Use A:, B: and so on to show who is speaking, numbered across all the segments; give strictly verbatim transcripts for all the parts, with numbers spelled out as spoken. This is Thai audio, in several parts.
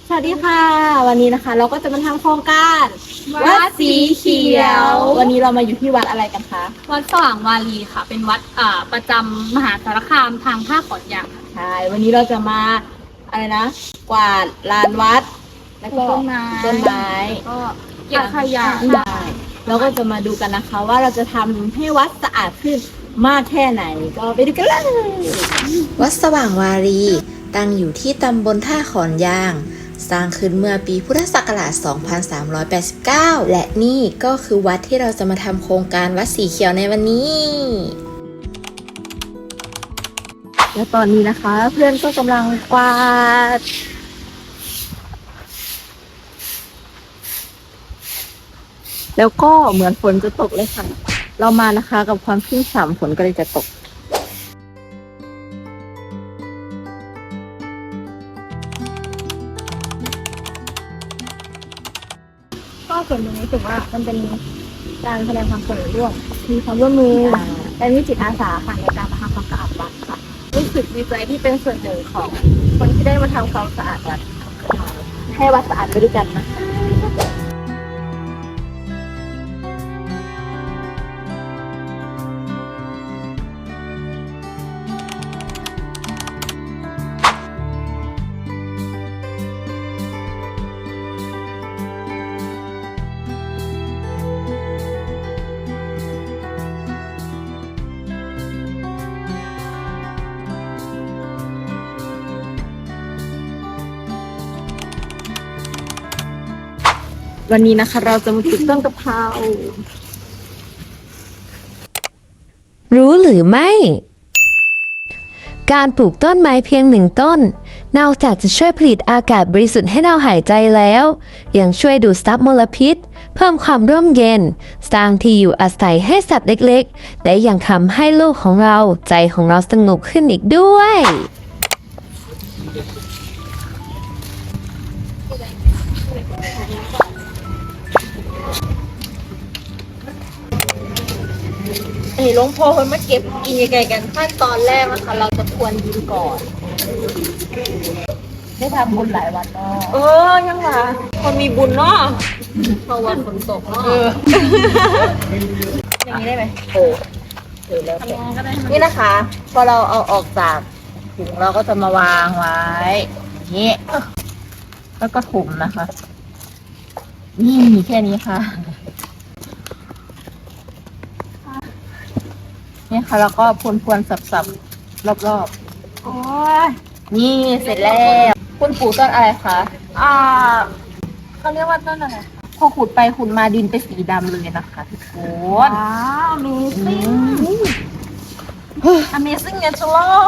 A: สวัสดีค่ะวันนี้นะคะเราก็จะมาทำโครงการวัดสีเขียววันนี้เรามาอยู่ที่วัดอะไรกันคะ
B: วัดสว่างวารีค่ะเป็นวัดอ่าประจำมหาสารคามทางภาคขอนแก่นค่ะ
A: ใช่วันนี้เราจะมาอะไรนะกวาดลานวัดแล้วก็
B: ต้นไม้
A: ต้นไม้
B: ก็เก็บขยะ
A: ได้เราก็จะมาดูกันนะคะว่าเราจะทำให้วัดสะอาดขึ้นมากแค่ไหนก็ไปดูกันเลย
C: วัดสว่างวารีตั้งอยู่ที่ตำบลท่าขอนยางสร้างขึ้นเมื่อปีพุทธศักราช สองพันสามร้อยแปดสิบเก้า และนี่ก็คือวัดที่เราจะมาทำโครงการวัดสีเขียวในวันนี้
A: และตอนนี้นะคะ เพื่อนก็กำลังกวาดแล้วก็เหมือนฝนจะตกเลยค่ะเรามานะคะกับความชุ่มฉ่ำฝนก็เลยจะตกก็ส่วนหนึ่งรู้สึกว่ามันเป็นการแสดงความสนใจร่วมมีความร่วมมือและมีจิตอาสาค่ะในการมาทำความสะอาดวัดค่ะรู้สึกดีใจที่เป็นส่วนหนึ่งของคนที่ได้มาทำความสะอาดวัดให้วัดสะอาดไปด้วยกันนะวันนี้นะคะเราจะมาปลูกต้นกะเพรา
D: รู้หรือไม่ การปลูกต้นไม้เพียงหนึ่งต้นนอกจากจะช่วยผลิตอากาศบริสุทธิ์ให้เราหายใจแล้วยังช่วยดูดซับมลพิษเพิ่มความร่มเย็นสร้างที่อยู่อาศัยให้สัตว์เล็กๆและยังทำให้โลกของเราใจของเราสงบขึ้นอีกด้วย
A: เอ้ยหลวงพ่อคนมาเก็บกินยังไงกันขั้นตอนแรกนะคะเราจะควรดินก่อนได้ทำบุญหลายวันเนาะเออยังล่ะคนมีบุญเนาะเพราะวันฝนตกเนาะอย่างนี้ได้ไหมโอ้เออแล้วนี่นะคะพอเราเอาออกจากถุงเราก็จะมาวางไว้อย่างนี้แล้วก็ถุ่มนะคะ นี่แค่นี้ค่ะนี่ค่ะแล้วก็พวนๆสับๆรอบๆโอ้ยนี่เสร็จแล้วคุณปลูกต้นอะไรคะอ่าเขาเรียกว่าต้นอะไรพอขุดไปขุดมาดินเป็นสีดำเลยนะคะทุกคนว้าว Amazing Amazing Natural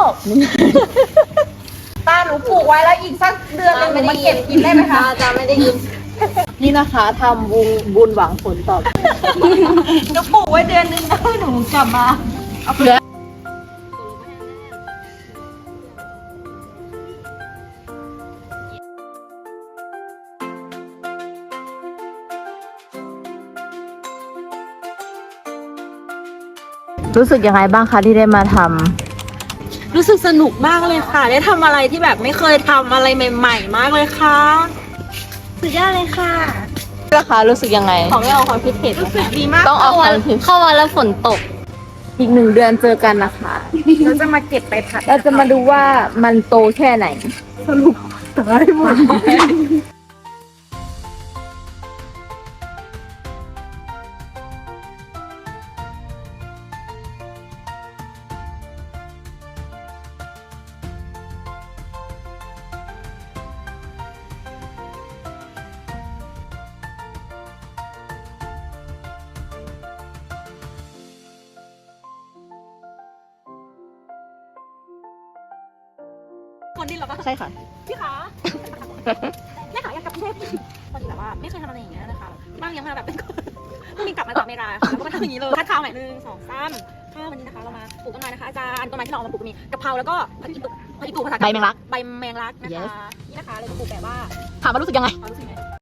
A: ตาหนูปลูกไว้แล้วอีกสักเดือนหนึงหนูมาเก็บกินได้ไหมคะจะไม่ได้ยินนี่นะคะทำบุญบุญหวังผลตอบหนูปลูกไว้เดือนนึงแล้วหนูกลับมาเอาเพื่อรู้สึกยังไงบ้างคะที่ได้มาทำรู้สึกสนุกมากเลยค่ะได้ทำอะไรที่แบบไม่เคยทำอะไรใหม่ๆมากเลยค่ะสุดยอดเลยค่ะราคารู้สึกยังไงของไม่เอาความคิดเห็นรู้สึกดีมากต้องเอาความคิดเข้ามาแล้วฝนตกอีกหนึ่งเดือนเจอกันนะคะเราจะมาเก็บไปผัดเราจะมาดูว่ามันโตแค่ไหนสรุปตายหมดคนที่เราก็ใช่ค่ะพี่ขาแม่ขาอยากกลับกรุงเทพพอดีแบบว่าไม่เคยทำอะไรอย่างเงี้ยนะคะบ้างยังมาแบบเป็นมีกลับมาจากอเมริกาค่ะแล้วก็มาทำอย่างนี้เลยคัดข้าวใหม่หนึ่งสองสามข้าววันนี้นะคะเรามาปลูกต้นไม้นะคะอาจารย์ต้นไม้ที่เราเอามาปลูกมีกะเพราแล้วก็ผักอีตูผักอีตูภาษาใบแมงลักใบแมงลักนะคะนี่นะคะเราจะปลูกแบบว่าถามว่ารู้สึกยังไงรู้สึกไง